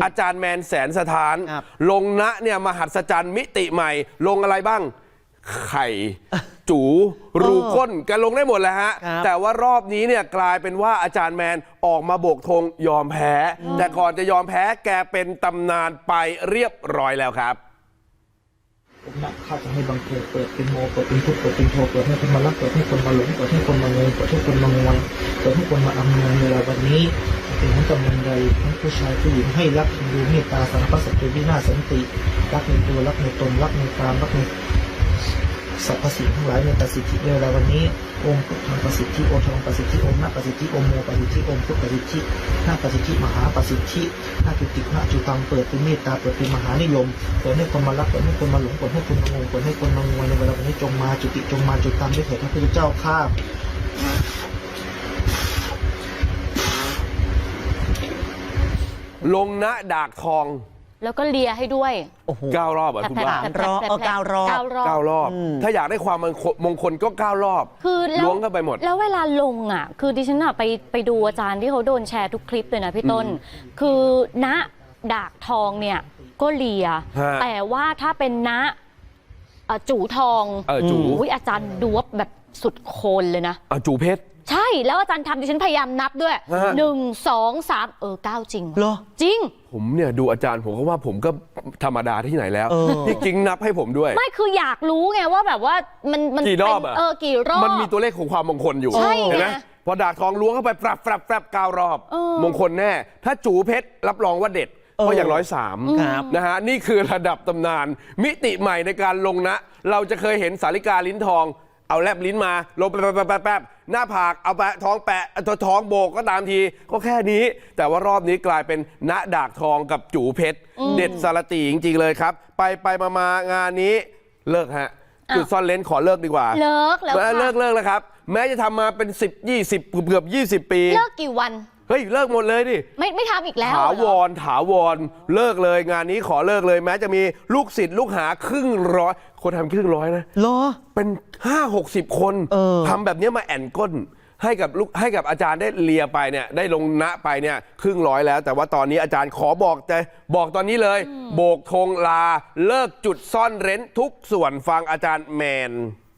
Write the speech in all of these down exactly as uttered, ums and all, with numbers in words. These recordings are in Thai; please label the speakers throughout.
Speaker 1: อาจารย์แมนแสนสถานลงณเนี่ยมหัศจรรย์มิติใหม่ลงอะไรบ้างไข่จูรูก้นแกลงได้หมดแล้วฮะแต่ว่ารอบนี้เนี่ยกลายเป็นว่าอาจารย์แมนออกมาโบกธงยอมแพ้แต่ก่อนจะยอมแพ้แกเป็นตำนานไปเรียบร้อยแล้วครับ
Speaker 2: ผมนะข้าจะให้บังเกิดเปิดเป็นโมเปิดเป็นทุกเปิดเป็นโทเปิดให้คนมารักเปิดให้คนมาหลงเปิดให้คนมาเงยเปิดให้คนมางวยเปิดให้คนมาอำนวยเวลาวันนี้เป็นทั้งกำลังใดทั้งผู้ชายผู้หญิงให้รักดูเมตตาสารพัดสัตว์วินาศสันติรักในตัวรักในตนรักในกามรักในสรรพสิ่งทั้งหลายในประสิทธิเวลาวันนี้องค์พุทธังประสิทธิโอทองประสิทธิองค์นาประสิทธิองค์โมประสิทธิองค์พุทธประสิทธินาประสิทธิมหาประสิทธินาจุตินาจุตังเปิดเป็นเมตตาเปิดเป็นมหานิยมเปิดให้คนมารักเปิดให้คนมาหลงเปิดให้คนมางงเปิดให้คนมางวยในเวลาวันนี้จงมาจุติจงมาจุตังด้วยเถิดพระพุทธเจ้าข้า
Speaker 1: ลงณดากทอง
Speaker 3: แล้วก็เลียให้ด้วย
Speaker 1: เก้ารอบอ่ะคุณว่า
Speaker 3: เก้ารอบ
Speaker 1: เก้ารอบถ้าอยากได้ความมงคลก็เก้ารอบ
Speaker 3: คือ
Speaker 1: ล้วงเข้าไปหมด
Speaker 3: แล้วเวลาลงอ่ะคือดิฉันอ่ะไปไปดูอาจารย์ที่เขาโดนแชร์ทุกคลิปเลยนะพี่ต้นคือณดากทองเนี่ยก็เลียแต่ว่าถ้าเป็นณจูทอง
Speaker 1: จู
Speaker 3: อาจารย์ดูว่าแบบสุดโคนเลยนะ
Speaker 1: จูเพชร
Speaker 3: ใช่แล้วอาจารย์ทำดิฉันพยายามนับด้วยหนึ่งสองสามเออเก้าจริง
Speaker 1: เหรอ
Speaker 3: จริง
Speaker 1: ผมเนี่ยดูอาจารย์ผมก็ว่าผมก็ธรรมดาที่ไหนแล้วที่จริงนับให้ผมด้วย
Speaker 3: ไม่คืออยากรู้ไงว่าแบบว่ามันมัน
Speaker 1: กี่รอบอะ
Speaker 3: เออกี่รอบ
Speaker 1: มันมีตัวเลขของความมงคลอยู่เห็นไหมพอดาบทองล้วงเข้าไปปรับปรับปรับเก้ารอบมงคลแน่ถ้าจูเพชรรับรองว่าเด็ดเพราะอย่างร้อยสามนะฮะนี่คือระดับตำนานมิติใหม่ในการลงนะเราจะเคยเห็นสาริกาลิ้นทองเอาแลบลิ้นมาลงแป๊บแป๊บแป๊บหน้าผากเอาแปะท้องแปะตัวท้องโบกก็ตามทีก็แค่นี้แต่ว่ารอบนี้กลายเป็นณดากทองกับจูเพชรเด็ดสารตีจริงๆเลยครับไปไปมามางานนี้เลิกฮะจุดซ่อนเลนขอเลิกดีกว่า
Speaker 3: เลิกแล้ว
Speaker 1: เลิกเลิกแล้วครับแม้จะทำมาเป็นสิบ ยี่สิบเกือบยี่สิบปี
Speaker 3: เลิกกี่วัน
Speaker 1: เฮ้ยเลิกหมดเลยดิ
Speaker 3: ไม่ไม่ทำอีกแล้ว
Speaker 1: ถาวรถาวรเลิกเลยงานนี้ขอเลิกเลยแม้จะมีลูกศิษย์ลูกหาครึ่งร้อยคนทำครึ่งร้อยนะ
Speaker 4: เหรอ
Speaker 1: เป็นห้าหกสิบคนทำแบบนี้มาแอนก้นให้กับลูกให้กับอาจารย์ได้เลียไปเนี่ยได้ลงณไปเนี่ยครึ่งร้อยแล้วแต่ว่าตอนนี้อาจารย์ขอบอกแต่บอกตอนนี้เลยโบกธงลาเลิกจุดซ่อนเร้นทุกส่วนฟังอาจารย์แมน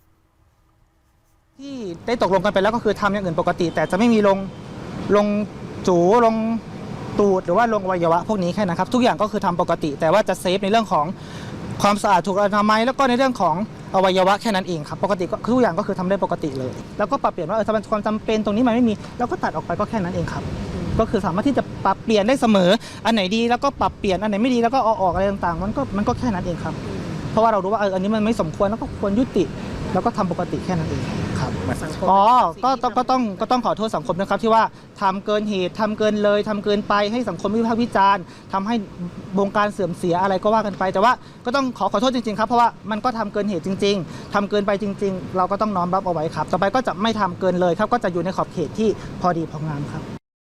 Speaker 2: ที่ได้ตกลงกันไปแล้วก็คือทำอย่างอื่นปกติแต่จะไม่มีลงลงจูลงตูดหรือว่าลงอวัยวะพวกนี้แค่นะครับทุกอย่างก็คือทำปกติแต่ว่าจะเซฟในเรื่องของความสะอาดถูกอนามัยแล้วก็ในเรื่องของอวัยวะแค่นั้นเองครับปกติก็ทุกอย่างก็คือทำได้ปกติเลยแล้วก็ปรับเปลี่ยนว่าเออถ้ามันความจำเป็นตรงนี้มันไม่มีเราก็ตัดออกไปก็แค่นั้นเองครับก็คือสามารถที่จะปรับเปลี่ยนได้เสมออันไหนดีแล้วก็ปรับเปลี่ยนอันไหนไม่ดีแล้วก็เอาออกอะไรต่างๆมันก็มันก็แค่นั้นเองครับเพราะว่าเรารู้ว่าเอออันนี้มันไม่สมควรแล้วก็ควรยุติแล้วก็ทำปกติแค่นั้นเองครับอ๋อก็ก็ต้องก็ต้องขอโทษสังคมนะครับที่ว่าทำเกินเหตุทำเกินเลยทำเกินไปให้สังคมวิพากษ์วิจารณ์ทำให้วงการเสื่อมเสียอะไรก็ว่ากันไปแต่ว่าก็ต้องขอขอโทษจริงๆครับเพราะว่ามันก็ทำเกินเหตุจริงๆทำเกินไปจริงๆเราก็ต้องน้อมรับเอาไว้ครับต่อไปก็จะไม่ทำเกินเลยครับก็จะอยู่ในขอบเขตที่พอดีพองามครับ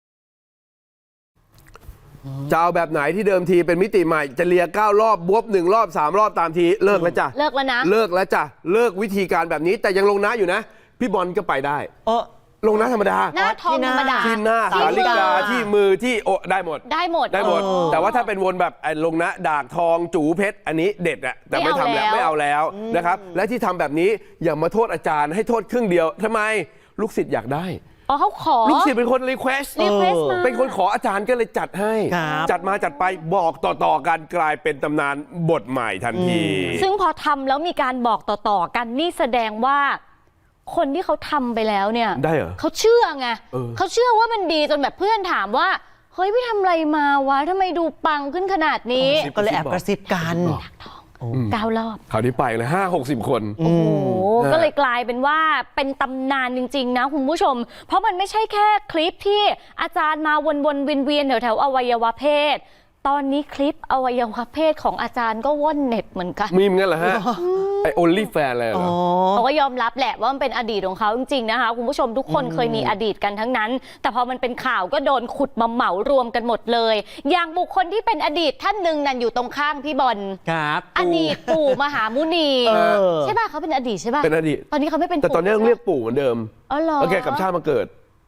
Speaker 1: จะเอาแบบไหนที่เดิมทีเป็นมิติใหม่จะเลียเก้ารอบบวบหนึ่งรอบสามรอบตามทีเลิกแล้วจ้ะ
Speaker 3: เลิกแล้วนะ
Speaker 1: เลิกแล้วจ้ะเลิกวิธีการแบบนี้แต่ยังลงน้าอยู่นะพี่บอลก็ไปได้
Speaker 4: เออ
Speaker 1: ลงน้าธรรมดา
Speaker 3: หน้าทองธรรมดา
Speaker 1: ที่หน้าสาลิกาที่มือที่โอได้หมด
Speaker 3: ได้หมด
Speaker 1: ได้หมดแต่ว่าถ้าเป็นวนแบบลงนะดากทองจูเพชรอันนี้เด็ดอะแต่ไม่ทำแล้วไม่เอาแล้วนะครับและที่ทำแบบนี้อย่ามาโทษอาจารย์ให้โทษครึ่งเดียวทำไมลูกศิษย์อยากได้
Speaker 3: อ๋อเขาขอ
Speaker 1: ลูกศิษย์เป็นคนรีเควสต์เป็นคนขออาจารย์ก็เลยจัดให้จัดมาจัดไปบอกต่อๆกันกลายเป็นตำนานบทใหม่ทันที
Speaker 3: ซึ่งพอทำแล้วมีการบอกต่อๆกันนี่แสดงว่าคนที่เขาทำไปแล้วเนี่ย
Speaker 1: ได้เหรอ
Speaker 3: เขาเชื่อไงเขาเชื่อว่ามันดีจนแบบเพื่อนถามว่าเฮ้ยพี่ทำอะไรมาวะทำไมดูปังขึ้นขนาดนี้
Speaker 4: ก็เลยแอบกระซิบกัน
Speaker 3: เก้ารอบ
Speaker 1: คราวนี้ไปเลยห้าหกสิบคน
Speaker 3: โอ้โหก็เลยกลายเป็นว่าเป็นตำนานจริงๆนะคุณผู้ชมเพราะมันไม่ใช่แค่คลิปที่อาจารย์มาวนๆเวียนๆแถวๆอวัยวะเพศตอนนี้คลิปอวัยวะเพศของอาจารย์ก็ว่อนเน็ตเหมือนกัน
Speaker 1: มีเหมือนกันเหรอฮะไอโอลลี่แฟนเลยเหรอ
Speaker 3: เขาก็ยอมรับแหละว่ามันเป็นอดีตของเขาจริงๆนะคะคุณผู้ชมทุกคนเคยมีอดีตกันทั้งนั้นแต่พอมันเป็นข่าวก็โดนขุดมาเหมารวมกันหมดเลยอย่างบุคคลที่เป็นอดีตท่านหนึ่งนั่นอยู่ตรงข้างพี่บอล
Speaker 4: ครับ
Speaker 3: อดีตปู่มหามุนีใช่ป่ะเขาเป็นอดีตใช่ป่ะ
Speaker 1: เป็นอดีต
Speaker 3: ตอนนี้เขาไม่เป็น
Speaker 1: แต่ตอนนี้ต้องเรียกปู่เหมือนเดิม
Speaker 3: อ๋อเหรอ
Speaker 1: แล้วแกกับชาติมาเกิด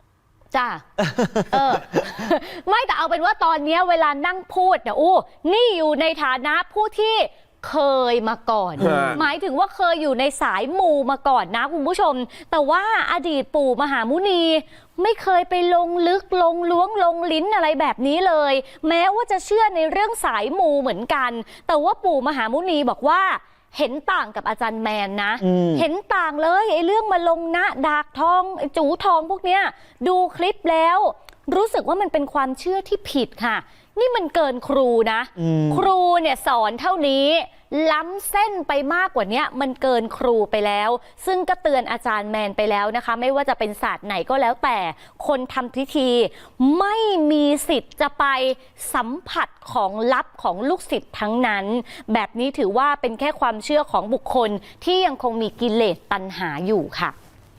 Speaker 3: จ้า เออ ไม่แต่เอาเป็นว่าตอนนี้เวลานั่งพูดเนี่ยอู้นี่อยู่ในฐานะผู้ที่เคยมาก่อน หมายถึงว่าเคยอยู่ในสายมูมาก่อนนะคุณผู้ชม แต่ว่าอดีตปู่มหามุนีไม่เคยไปลงลึกลงล้วงลงลิ้นอะไรแบบนี้เลย แม้ว่าจะเชื่อในเรื่องสายมูเหมือนกัน แต่ว่าปู่มหามุนีบอกว่าเห็นต่างกับอาจารย์แมนนะเห็นต่างเลยไอ้เรื่องมาลงนะดากทองไอ้จูทองพวกเนี้ยดูคลิปแล้วรู้สึกว่ามันเป็นความเชื่อที่ผิดค่ะนี่มันเกินครูนะครูเนี่ยสอนเท่านี้ล้ำเส้นไปมากกว่านี้มันเกินครูไปแล้วซึ่งก็เตือนอาจารย์แมนไปแล้วนะคะไม่ว่าจะเป็นศาสตร์ไหนก็แล้วแต่คนทำพิธีไม่มีสิทธิ์จะไปสัมผัสของลับของลูกศิษย์ทั้งนั้นแบบนี้ถือว่าเป็นแค่ความเชื่อของบุคคลที่ยังคงมีกิเลสตัณหาอยู่ค่ะ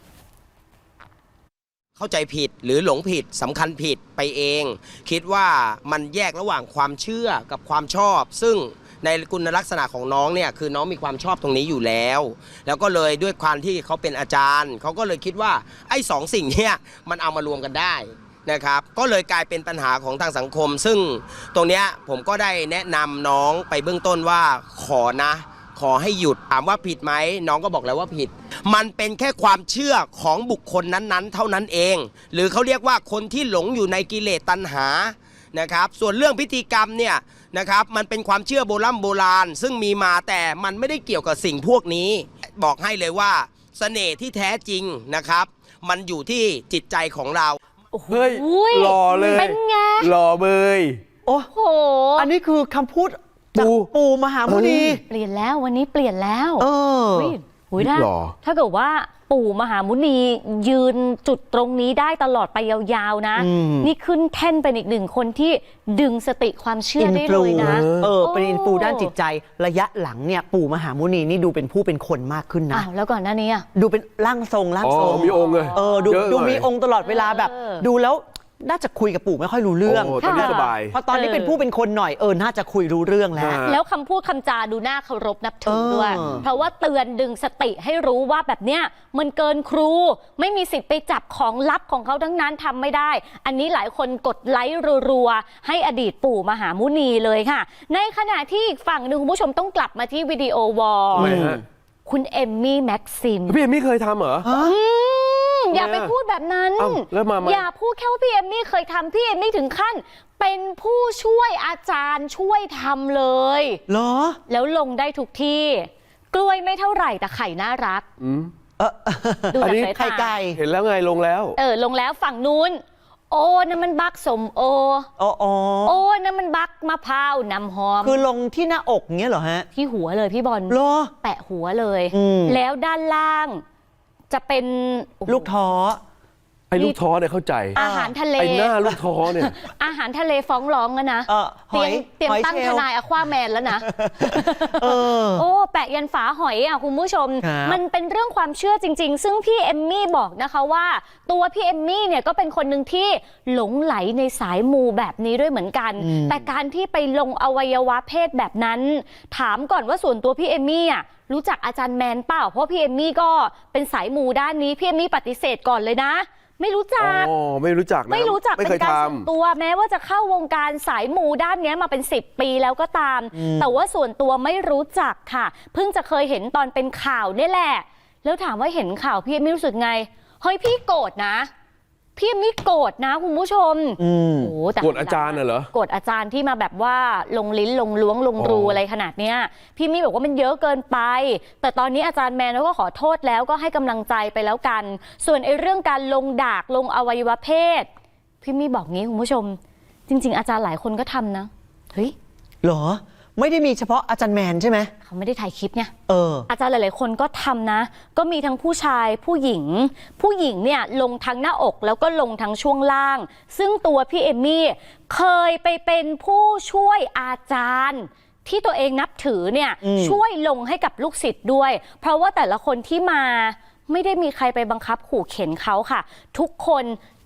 Speaker 4: เข้าใจผิดหรือหลงผิดสำคัญผิดไปเอง คิดว่ามันแยกระหว่างความเชื่อกับความชอบ ซึ่งในคุณลักษณะของน้องเนี่ยคือน้องมีความชอบตรงนี้อยู่แล้ว แล้วก็เลยด้วยความที่เขาเป็นอาจารย์เขาก็เลยคิดว่าไอ้สองสิ่งเนี่ยมันเอามารวมกันได้นะครับก็เลยกลายเป็นปัญหาของทางสังคม ซึ่งตรงเนี้ยผมก็ได้แนะนำน้องไปเบื้องต้นว่าขอนะขอให้หยุดถามว่าผิดไหมน้องก็บอกแล้วว่าผิดมันเป็นแค่ความเชื่อของบุคคลนั้นๆเท่านั้นเองหรือเขาเรียกว่าคนที่หลงอยู่ในกิเลสตัณหานะครับส่วนเรื่องพิธีกรรมเนี่ยนะครับมันเป็นความเชื่อโบราณโบราณซึ่งมีมาแต่มันไม่ได้เกี่ยวกับสิ่งพวกนี้บอกให้เลยว่าเสน่ห์ที่แท้จริงนะครับมันอยู่ที่จิตใจของเรา
Speaker 1: เฮ้ยหล่อเลย
Speaker 3: เป็นไง
Speaker 1: หล่อเบย
Speaker 5: โอ้
Speaker 3: โห
Speaker 5: อันนี้คือคำพูดจาก
Speaker 1: ปู่
Speaker 5: ปู่มหามุนี
Speaker 3: เปลี่ยนแล้ววันนี้เปลี่ยนแล้ว
Speaker 5: เออ
Speaker 3: เฮ้ยหุยถ้า
Speaker 1: หล่อ
Speaker 3: ถ้าเกิดว่าปู่มหามุนียืนจุดตรงนี้ได้ตลอดไปยาวๆนะ
Speaker 5: อืม
Speaker 3: นี่ขึ้นแท่นเป็นอีกหนึ่งคนที่ดึงสติความเชื่อได้เลยนะ
Speaker 5: เออ เป็น
Speaker 3: โอ้
Speaker 5: อินฟูด้านจิตใจระยะหลังเนี่ยปู่มหามุนีนี่ดูเป็นผู้เป็นคนมากขึ้นนะ
Speaker 3: อ้าวแล้วก่อนหน้านี้อ่ะ
Speaker 5: ดูเป็นร่างทรงร่าง
Speaker 1: อ๋อ
Speaker 5: ทรง
Speaker 1: มีองค์เลย
Speaker 5: เออดู
Speaker 1: เยอะหน่อย
Speaker 5: ดูมีองค์ตลอดเวลาแบบ
Speaker 3: เออ
Speaker 5: ดูแล้วน่าจะคุยกับปู่ไม่ค่อยรู้เรื่อง
Speaker 1: โอ้ตอนนี้
Speaker 3: ค่ะ
Speaker 1: สบาย
Speaker 5: พอตอนนี้เป็นผู้เป็นคนหน่อยเออน่าจะคุยรู้เรื่องแล้ว
Speaker 1: อ่า
Speaker 3: แล้วคำพูดคำจาดูน่าเคารพนับถือด้วย
Speaker 5: เออ
Speaker 3: เพราะว่าเตือนดึงสติให้รู้ว่าแบบเนี้ยมันเกินครู ไม่มีสิทธิ์ไปจับของลับของเขาทั้งนั้นทำไม่ได้ อันนี้หลายคนกดไลค์รัวๆให้อดีตปู่มหามุนีเลยค่ะ ในขณะที่อีกฝั่งหนึ่งคุณผู้ชมต้องกลับมาที่วิดีโอวอล
Speaker 1: ทำไมฮะ
Speaker 3: คุณเอมมี่แม็กซิม
Speaker 1: พี่เอมมี่เคยทำเหรอ
Speaker 3: อืมอย่าไปพูดแบบนั้น
Speaker 1: เอ้าแล้วมามา
Speaker 3: อย่าพูดแค่ว่าพี่เอมมี่เคยทำพี่เอมมี่ถึงขั้น เป็นผู้ช่วยอาจารย์ช่วยทำเลย
Speaker 5: เหรอ
Speaker 3: แล้วลงได้ทุกที่ กล้วยไม่เท่าไหร่แต่ไข่น่ารัก
Speaker 1: อืม
Speaker 5: เออ
Speaker 3: ดู
Speaker 5: อัน
Speaker 3: จาก
Speaker 5: นี้
Speaker 3: สาย
Speaker 5: ไข่
Speaker 3: ตา
Speaker 5: ไก่
Speaker 1: เห็นแล้วไงลงแล้ว
Speaker 3: เออลงแล้วฝั่งนู้น โอ้นั่นมันบักสมโอ
Speaker 5: อ๋ออ๋อ
Speaker 3: โอ้นั่นมันบักมะพร้าวน้ำหอม
Speaker 5: คือลงที่หน้าอกเงี้ยเหรอฮะ
Speaker 3: ที่หัวเลยพี่บอล
Speaker 5: เหรอ
Speaker 3: แปะหัวเลย
Speaker 5: อืม
Speaker 3: แล้วด้านล่างจะเป็นโอ้โห
Speaker 5: ลูกท้อ
Speaker 1: ไอ้ลูกท้อเนี่ยเข้าใจ
Speaker 3: อาหารทะเล
Speaker 1: ไอ้หน้าลูกท้อเนี่ย
Speaker 3: อาหารทะเลฟ้องร้องแล้วนะ
Speaker 5: เออห
Speaker 3: เตรี
Speaker 5: อย
Speaker 3: มเตรียม
Speaker 5: หอย
Speaker 3: ตั้ง
Speaker 5: เช
Speaker 3: ท
Speaker 5: ลล์
Speaker 3: นายอควาแมนแล้วนะ
Speaker 5: เออ
Speaker 3: โอ้แปะยันฝาหอยอ่ะคุณผู้ชม
Speaker 5: ครับ
Speaker 3: มันเป็นเรื่องความเชื่อจริง ๆ ซึ่งพี่เอมมี่บอกนะคะว่า ตัวพี่เอมมี่เนี่ยก็เป็นคนหนึ่งที่หลงไหลในสายมูแบบนี้ด้วยเหมือนกัน แต่การที่ไปลงอวัยวะเพศแบบนั้น ถามก่อนว่าส่วนตัวพี่เอมมี่อ่ะรู้จักอาจารย์แมนเปล่าเพราะพี่เอมมี่ก็เป็นสายมูด้านนี้พี่เอมมี่ปฏิเสธก่อนเลยนะ ไม่รู้จัก
Speaker 1: อ๋อ ไม่รู้จักนะ
Speaker 3: ไม่รู้จัก
Speaker 1: ไม่
Speaker 3: เป็
Speaker 1: เคย
Speaker 3: นการ
Speaker 1: ท
Speaker 3: ส่วนตัวแม้ว่าจะเข้าวงการสายมูด้านเนี้ยมาเป็นสิบปีแล้วก็ตาม แต่ว่าส่วนตัวไม่รู้จักค่ะ เพิ่งจะเคยเห็นตอนเป็นข่าวนี่แหละ แล้วถามว่าเห็นข่าวพี่เอมมี่รู้สึกไงเฮ้ยพี่โกรธนะพี่เอมมี่โกรธนะคุณผู้ชม
Speaker 5: อืม
Speaker 3: โอ้แต่
Speaker 1: ำกดอาจารย์น่ะเหรอ
Speaker 3: โกรธอาจารย์ที่มาแบบว่าลงลิ้นลงล้วงลงรู
Speaker 1: อ๋ออ
Speaker 3: อะไรขนาดเนี้ยพี่มี่บอกว่ามันเยอะเกินไป แต่ตอนนี้อาจารย์แมนเขาก็ขอโทษแล้วก็ให้กำลังใจไปแล้วกัน ส่วนไอ้เรื่องการลงดากลงอวัยวะเพศพี่มี่บอกงี้คุณผู้ชม จริง ๆ อาจารย์หลายคนก็ทำนะเฮ้ย
Speaker 5: เหรอ ไม่ได้มีเฉพาะอาจารย์แมนใช่ไหม
Speaker 3: เขาไม่ได้ถ่ายคลิปเนี่ย
Speaker 5: เออ
Speaker 3: อาจารย์หลาย ๆ คนก็ทำนะ ก็มีทั้งผู้ชายผู้หญิง ผู้หญิงเนี่ยลงทั้งหน้าอกแล้วก็ลงทั้งช่วงล่าง ซึ่งตัวพี่เอมมี่เคยไปเป็นผู้ช่วยอาจารย์ ที่ตัวเองนับถือเนี่ย
Speaker 5: อืม
Speaker 3: ช่วยลงให้กับลูกศิษย์ด้วย เพราะว่าแต่ละคนที่มาไม่ได้มีใครไปบังคับขู่เข็นเขาค่ะ ทุกคน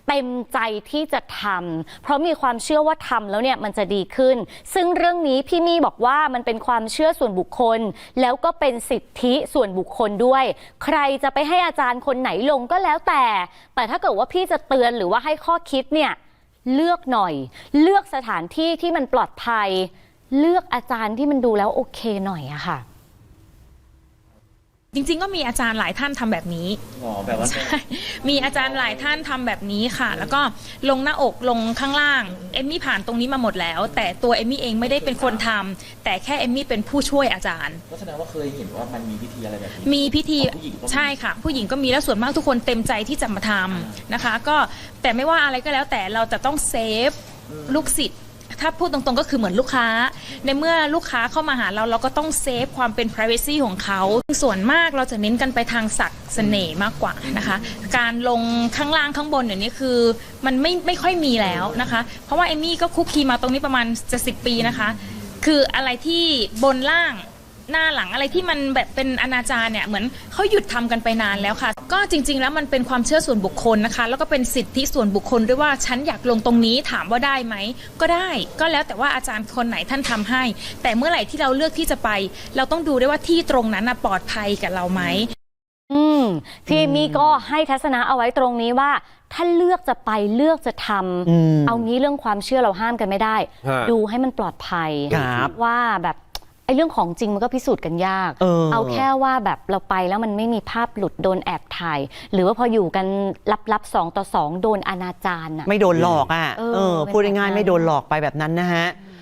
Speaker 3: เต็มใจที่จะทำเพราะมีความเชื่อว่าทำแล้วเนี่ยมันจะดีขึ้นซึ่งเรื่องนี้พี่มี่บอกว่ามันเป็นความเชื่อส่วนบุคคลแล้วก็เป็นสิทธิส่วนบุคคลด้วยใครจะไปให้อาจารย์คนไหนลงก็แล้วแต่แต่ถ้าเกิดว่าพี่จะเตือนหรือว่าให้ข้อคิดเนี่ยเลือกหน่อยเลือกสถานที่ที่มันปลอดภัยเลือกอาจารย์ที่มันดูแล้วโอเคหน่อยอะค่ะ
Speaker 6: จริงๆก็มีอาจารย์หลายท่านทำแบบนี้อ๋อแบบว่าใช่มีอาจารย์หลายท่านทำแบบนี้ค่ะแล้วก็ลงหน้าอกลงข้างล่างเอมมี่ผ่านตรงนี้มาหมดแล้วแต่ตัวเอมมี่เองไม่ได้เป็นคนทำแต่แค่เอมมี่เป็นผู้ช่วยอาจารย์
Speaker 7: ก็แสดงว่าเคยเห็นว่ามันมีพิธีอะไรแบบนี้
Speaker 6: มีพิธีใช่ค่ะผู้หญิงก็มีแล้วส่วนมากทุกคนเต็มใจที่จะมาทำนะคะก็แต่ไม่ว่าอะไรก็แล้วแต่เราจะต้องเซฟลูกศิษย์ถ้าพูดตรงๆก็คือเหมือนลูกค้าในเมื่อลูกค้าเข้ามาหาเราเราก็ต้องเซฟความเป็น privacy ของเขาส่วนมากเราจะเน้นกันไปทางศักดิ์เสน่ห์มากกว่านะคะการลงข้างล่างข้างบนอย่างนี้คือมันไม่ไม่ค่อยมีแล้วนะคะเพราะว่าเอมมี่ก็คุกคีมาตรงนี้ประมาณจะสิบปีนะคะคืออะไรที่บนล่างหน้าหลังอะไรที่มันแบบเป็นอนาจารเนี่ยเหมือนเขาหยุดทำกันไปนานแล้วค่ะก็จริงๆแล้วมันเป็นความเชื่อส่วนบุคคลนะคะแล้วก็เป็นสิทธิส่วนบุคคลด้วยว่าฉันอยากลงตรงนี้ถามว่าได้ไหมก็ได้ก็แล้วแต่ว่าอาจารย์คนไหนท่านทำให้แต่เมื่อไหร่ที่เราเลือกที่จะไปเราต้องดูด้วยว่าที่ตรงนั้นปลอดภัยกับเราไหม
Speaker 3: อืมพี่มี่ก็ให้ทัศนะเอาไว้ตรงนี้ว่าถ้าเลือกจะไปเลือกจะทำเอางี้เรื่องความเชื่อเราห้ามกันไม่ได้ดูให้มันปลอดภัยว่าแบบไอ้เรื่องของจริงมันก็พิสูจน์กันยาก เออ เอาแค่ว่าแบบเราไปแล้วมันไม่มีภาพหลุดโดนแอบถ่ายหรือว่าพออยู่กันลับๆสองต่อสองโดนอนาจารอ่ะ
Speaker 5: ไม่โดนหลอกอ่ะเออพูดง่ายๆไม่โดนหลอกไปแบบนั้นนะฮะ